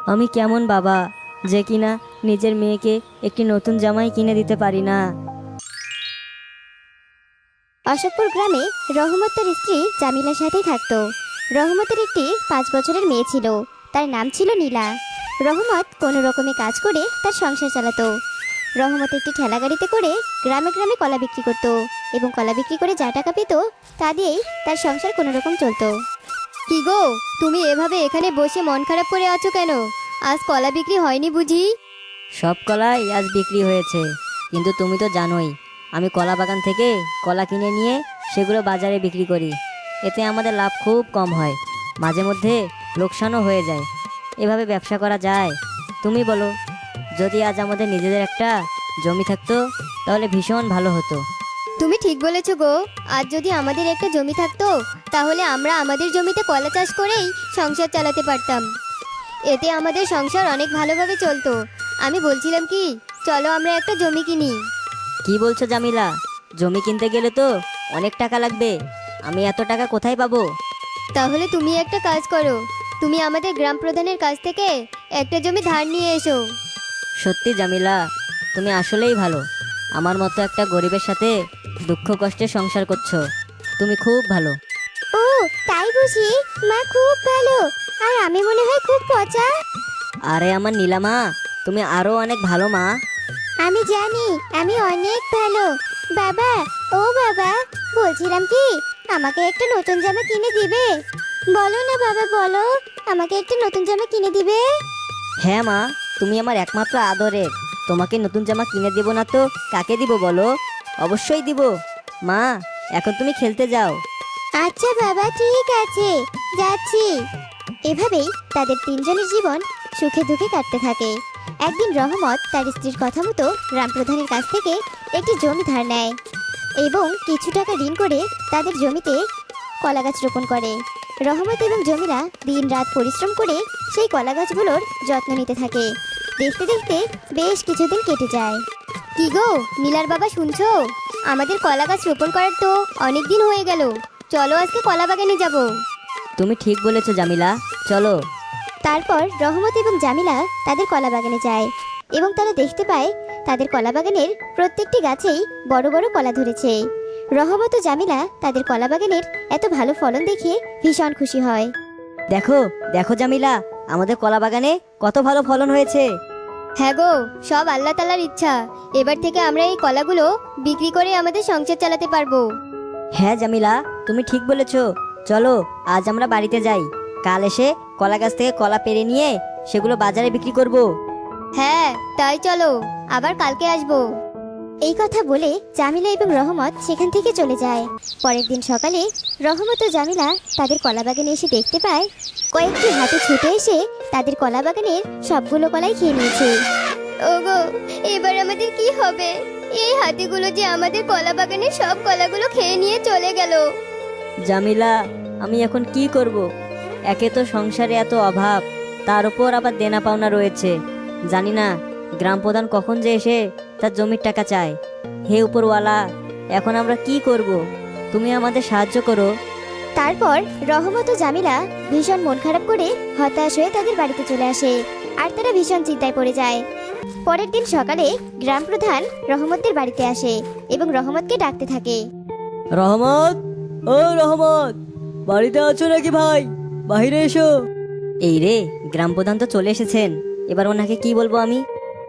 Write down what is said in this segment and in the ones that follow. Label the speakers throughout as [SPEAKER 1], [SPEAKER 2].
[SPEAKER 1] আমি কেমন বাবা যে কিনা নিজের মেয়েকে একটি নতুন জামাই কিনে দিতে পারি না।
[SPEAKER 2] অশোকপুর গ্রামে রহমত তার স্ত্রী জামিলার সাথেই থাকতো। রহমতের একটি 5 বছরের মেয়ে ছিল, তার নাম ছিল নীলা। রহমত কোনো রকমে কাজ করে তার সংসার চালাতো। রহমত একটি ঠেলা গাড়িতে করে গ্রামে গ্রামে কলা বিক্রি করত এবং কলা বিক্রি করে যা টাকা পেত তা দিয়েই তার সংসার কোনো রকম চলতো। কি গো, তুমি এভাবে এখানে বসে মন খারাপ করে আছো কেন? আজ কলা বিক্রি হয়নি বুঝি?
[SPEAKER 1] সব কলাই আজ বিক্রি হয়েছে, কিন্তু তুমি তো জানোই আমি কলা বাগান থেকে কলা কিনে নিয়ে সেগুলো বাজারে বিক্রি করি। এতে আমাদের লাভ খুব কম হয়, মাঝে মধ্যে লোকসানও হয়ে যায়। এভাবে ব্যবসা করা যায়? তুমি বলো, যদি আজ আমাদের নিজেদের একটা জমি থাকতো তাহলে ভীষণ ভালো হতো।
[SPEAKER 2] তুমি ঠিক বলেছো গো, আজ যদি আমাদের একটা জমি থাকতো তাহলে আমরা আমাদের জমিতে কলা চাষ করেই সংসার চালাতে পারতাম। এতে আমাদের সংসার অনেক ভালোভাবে চলতো। আমি বলছিলাম কি, চলো আমরা একটা জমি কিনি।
[SPEAKER 1] কি বলছো জামিলা? জমি কিনতে গেলে তো অনেক টাকা লাগবে, আমি এত টাকা কোথায় পাবো?
[SPEAKER 2] তাহলে তুমি একটা কাজ করো, তুমি আমাদের গ্রাম প্রধানের কাছ থেকে একটা জমি ধার নিয়ে এসো।
[SPEAKER 1] সত্যি জামিলা, তুমি আসলেই ভালো। আমার মতো একটা গরিবের সাথে দুঃখ কষ্টে সংসার করছো, তুমি খুব ভালো।
[SPEAKER 2] ও তাই বুঝি? মা খুব ভালো, আর আমি মনে হয় খুব পচা।
[SPEAKER 1] আরে আমার নীলামা, তুমি আরো অনেক ভালো মা।
[SPEAKER 2] আমি জানি আমি অনেক ভালো। বাবা, ও বাবা, বলছিলাম কি, আমাকে একটা নতুন জামা কিনে দিবে? বলো না বাবা, বলো, আমাকে একটা নতুন জামা কিনে দিবে?
[SPEAKER 1] হ্যাঁ মা, তুমি আমার একমাত্র আদরের, তোমাকে নতুন জামা কিনে দেব না তো কাকে দিব বলো? অবশ্যই দিব মা। এখন তুমি খেলতে যাও।
[SPEAKER 2] আচ্ছা বাবা, ঠিক আছে, যাচ্ছি। এভাবেই তাদের তিনজনের জীবন সুখে দুঃখে কাটতে থাকে। একদিন রহমত তার স্ত্রীর কথা মতো গ্রাম প্রধানের কাছ থেকে একটি জমি ধার নেয় এবং কিছু টাকা ঋণ করে তাদের জমিতে কলা গাছ রোপণ করে। রহমত এবং জমিলা দিন রাত পরিশ্রম করে সেই কলা গাছগুলোর যত্ন নিতে থাকে। দেখতে দেখতে বেশ কিছুদিন কেটে যায়। কি গো নীলার বাবা, শুনছো? আমাদের কলা গাছ রোপণ করার তো অনেক দিন হয়ে গেল, চলো আজকে কলা বাগানে যাব।
[SPEAKER 1] তুমি ঠিক বলেছো জামিলা, চলো।
[SPEAKER 2] তারপর রহমত এবং জামিলা তাদের কলা বাগানে যায় এবং তারা দেখতে পায় তাদের কলা বাগানের প্রত্যেকটি গাছেই বড় বড় কলা ধরেছে। রহমত ও জামিলা তাদের কলা বাগানের এত ভালো ফলন দেখে ভীষণ খুশি হয়।
[SPEAKER 1] দেখো দেখো জামিলা, আমাদের কলা বাগানে কত ভালো ফলন হয়েছে।
[SPEAKER 2] হ্যাঁ গো, সব আল্লাহ তাআলার ইচ্ছা। এবার থেকে আমরা এই কলাগুলো বিক্রি করে আমাদের সংসার চালাতে পারবো।
[SPEAKER 1] হ্যাঁ জামিলা, তুমি ঠিক বলেছো। চলো আজ আমরা বাড়িতে যাই, কাল এসে কলা গাছ থেকে কলা পেড়ে নিয়ে সেগুলো বাজারে বিক্রি করব।
[SPEAKER 2] হ্যাঁ তাই চলো, আবার কালকে আসবো। এই কথা বলে জামিলা এবং রহমত সেখান থেকে চলে যায়। পরের দিন সকালে রহমত ও জামিলা তাদের কলা বাগানে এসে দেখতে পায় কয়েকটি হাতি ছুটে এসে তাদের কলা বাগানের সবগুলো কলাই খেয়ে নিয়েছে। ওগো, এবার আমাদের কি হবে? এই হাতিগুলো যে আমাদের কলা বাগানের সব কলাগুলো খেয়ে নিয়ে চলে গেল।
[SPEAKER 1] জামিলা, আমি এখন কি করব? একে তো সংসারে এত অভাব, তার উপর আবার দেনা পাওনা রয়েছে। জানি না গ্রাম প্রধান কখন যে এসে তার জমির টাকা চায়। হে উপরওয়ালা, এখন আমরা কি করব? তুমি আমাদের সাহায্য করো।
[SPEAKER 2] তারপর রহমত ও জামিলা ভীষণ মন খারাপ করে হতাশ হয়ে তাদের বাড়িতে চলে আসে আর তারা ভীষণ চিন্তায় পড়ে যায়। পরের দিন সকালে গ্রাম প্রধান রহমতদের বাড়িতে আসে এবং রহমতকে ডাকতে থাকে।
[SPEAKER 1] রহমত, ও রহমত, বাড়িতে আছো নাকি ভাই? বাইরে এসো। এই রে, গ্রাম প্রধান তো চলে এসেছেন, এবার ওনাকে কি বলবো আমি?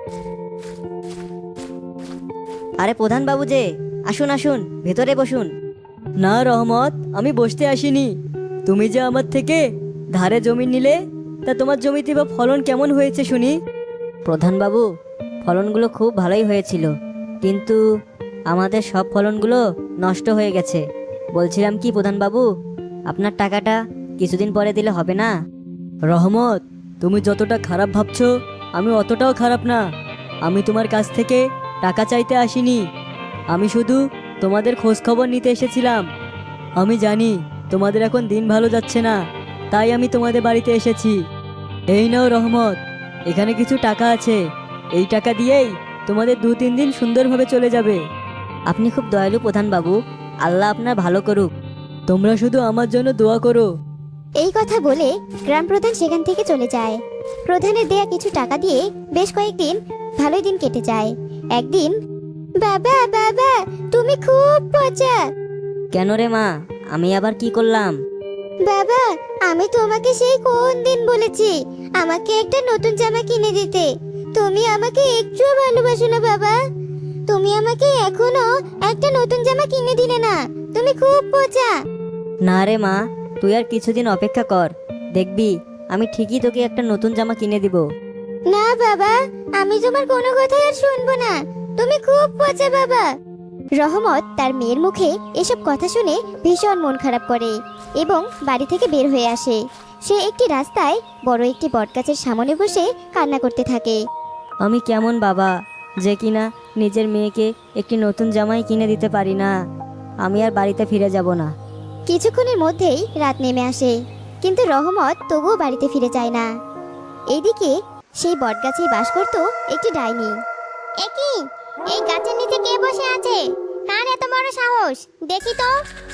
[SPEAKER 1] আরে প্রধান বাবু যে, আসুন আসুন, ভেতরে বসুন। না রহমত, আমি বসতে আসিনি। তুমি যে আমার থেকে ধারে জমি নিলে, তা তোমার জমিতে বা ফলন কেমন হয়েছে শুনি? প্রধান বাবু, ফলনগুলো খুব ভালোই হয়েছিল, কিন্তু আমাদের সব ফলনগুলো নষ্ট হয়ে গেছে। বলছিলাম কি প্রধান বাবু, আপনার টাকাটা কিছুদিন পরে দিলে হবে না? রহমত, তুমি যতটা খারাপ ভাবছো আমি অতটাও খারাপ না। আমি তোমার কাছ থেকে টাকা চাইতে আসিনি, আমি শুধু তোমাদের খোঁজ খবর নিতে এসেছিলাম। আমি জানি তোমাদের এখন দিন ভালো যাচ্ছে না, তাই আমি তোমাদের বাড়িতে এসেছি। এই নাও রহমত, এখানে কিছু টাকা আছে, এই টাকা দিয়েই তোমাদের 2-3 দিন সুন্দরভাবে চলে যাবে। আপনি খুব দয়ালু প্রধান বাবু, আল্লাহ আপনার ভালো করুক। তোমরা শুধু আমার জন্য দোয়া করো।
[SPEAKER 2] এই কথা বলে গ্রাম প্রধান সেখান থেকে চলে যায়। প্রধানের দেয়া কিছু টাকা দিয়ে বেশ কয়েকদিন ভালোই দিন কেটে যায়। একদিন, বাবা বাবা তুমি খুব পচা।
[SPEAKER 1] কেন রে মা, আমি আবার কি করলাম?
[SPEAKER 2] বাবা আমি তোমাকে সেই কোন দিন বলেছি আমাকে একটা নতুন জামা কিনে দিতে, তুমি আমাকে একটুও ভালোবাসো না বাবা। তুমি আমাকে এখনো একটা নতুন জামা কিনে দিলে না, তুমি খুব পচা।
[SPEAKER 1] না রে মা, তুই আর কিছুদিন অপেক্ষা কর, দেখবি আমি ঠিকই তোকে একটা নতুন জামা কিনে দিব।
[SPEAKER 2] না বাবা, আমি তোমার কোনো কথাই আর শুনবো না, তুমি খুব পচা বাবা। রহমত তার মেয়ের মুখে এসব কথা শুনে ভীষণ মন খারাপ করে এবং বাড়ি থেকে বের হয়ে আসে। সে একটি রাস্তায় বড় একটি বটগাছের সামনে বসে কান্না করতে থাকে।
[SPEAKER 1] আমি কেমন বাবা যে কিনা নিজের মেয়েকে একটি নতুন জামাই কিনে দিতে পারি না। আমি আর বাড়িতে ফিরে যাব না।
[SPEAKER 2] কিছুক্ষণের মধ্যেই রাত নেমে আসে, কিন্তু রহমত তবুও বাড়িতে ফিরে যায় না। এইদিকে সেই বটগাছেই বাস করত একটি ডাইনি। একই, এই গাছের নিচে কে বসে আছে? কার এত বড় সাহস? দেখি তো।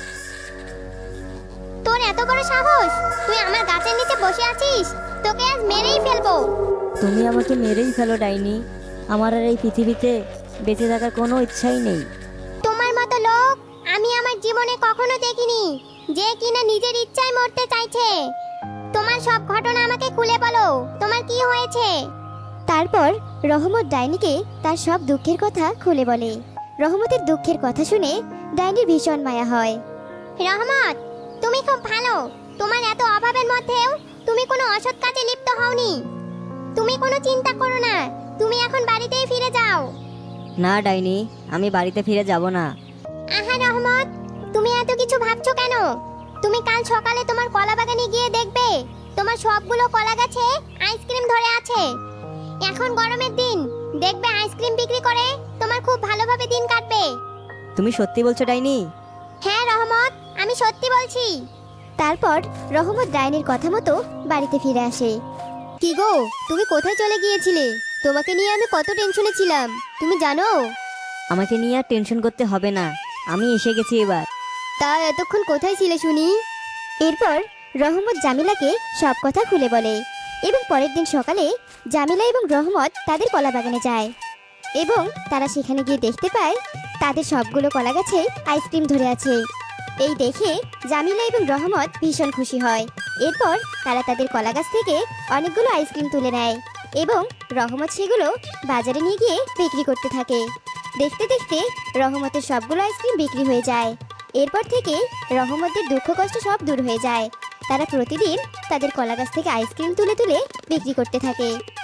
[SPEAKER 2] তোর এত বড় সাহস, তুই আমার গাছের নিচে বসে আছিস? তোকে আজ মেরেই ফেলবো।
[SPEAKER 1] তুমি আমাকে মেরেই ফেলো ডাইনি, আমার আর এই পৃথিবীতে বেঁচে থাকার কোনো ইচ্ছাই নেই।
[SPEAKER 2] তোমার মতো লোক আমি আমার জীবনে কখনো দেখিনি, যে কিনা নিজের ইচ্ছায় মরতে চাইছে। তোমার সব ঘটনা আমাকে খুলে বলো, তোমার কি হয়েছে? তারপর রহমত ডাইনিকে তার সব দুঃখের কথা খুলে বলে। রহমতের দুঃখের কথা শুনে ডাইনির ভীষণ মায়া হয়। রহমত, তুমি খুব ভালো, তোমার এত অভাবের মধ্যেও তুমি কোনো অসৎ কাজে লিপ্ত হওনি। তুমি কোনো চিন্তা করো না, তুমি এখন বাড়িতেই ফিরে যাও।
[SPEAKER 1] না ডাইনি, আমি বাড়িতে ফিরে যাব না।
[SPEAKER 2] আহা রহমত, তুমি এত কিছু ভাবছো কেন? তুমি কাল সকালে তোমার কলা বাগানে গিয়ে দেখবে তোমার সবগুলো কলা গাছে আইসক্রিম ধরে আছে। এখন গরমের দিন, দেখবে আইসক্রিম বিক্রি করে তোমার খুব ভালোভাবে দিন কাটবে।
[SPEAKER 1] তুমি সত্যি বলছো ডাইনি?
[SPEAKER 2] হ্যাঁ রহমত, আমি সত্যি বলছি। তারপর রহমত ডাইনির কথা মতো বাড়িতে ফিরে আসে। কি গো, তুমি কোথায় চলে গিয়েছিলে? তোমাকে নিয়ে আমি কত টেনশনে ছিলাম, তুমি জানো?
[SPEAKER 1] আমাকে নিয়ে আর টেনশন করতে হবে না, আমি এসে গেছি এবার।
[SPEAKER 2] তা এতক্ষণ কোথায় ছিলে শুনি? এরপর রহমত জামিলাকে সব কথা খুলে বলে এবং পরের দিন সকালে জামিলা এবং রহমত তাদের কলা বাগানে যায় এবং তারা সেখানে গিয়ে দেখতে পায় তাদের সবগুলো কলা গাছে আইসক্রিম ধরে আছে। এই দেখে জামিলা এবং রহমত ভীষণ খুশি হয়। এরপর তারা তাদের কলা গাছ থেকে অনেকগুলো আইসক্রিম তুলে নেয় এবং রহমত সেগুলো বাজারে নিয়ে গিয়ে বিক্রি করতে থাকে। দেখতে দেখতে রহমতের সবগুলো আইসক্রিম বিক্রি হয়ে যায়। এরপর থেকে রহমতের দুঃখ কষ্ট সব দূর হয়ে যায়। তারা প্রতিদিন তাদের কলা গাছ থেকে আইসক্রিম তুলে তুলে বিক্রি করতে থাকে।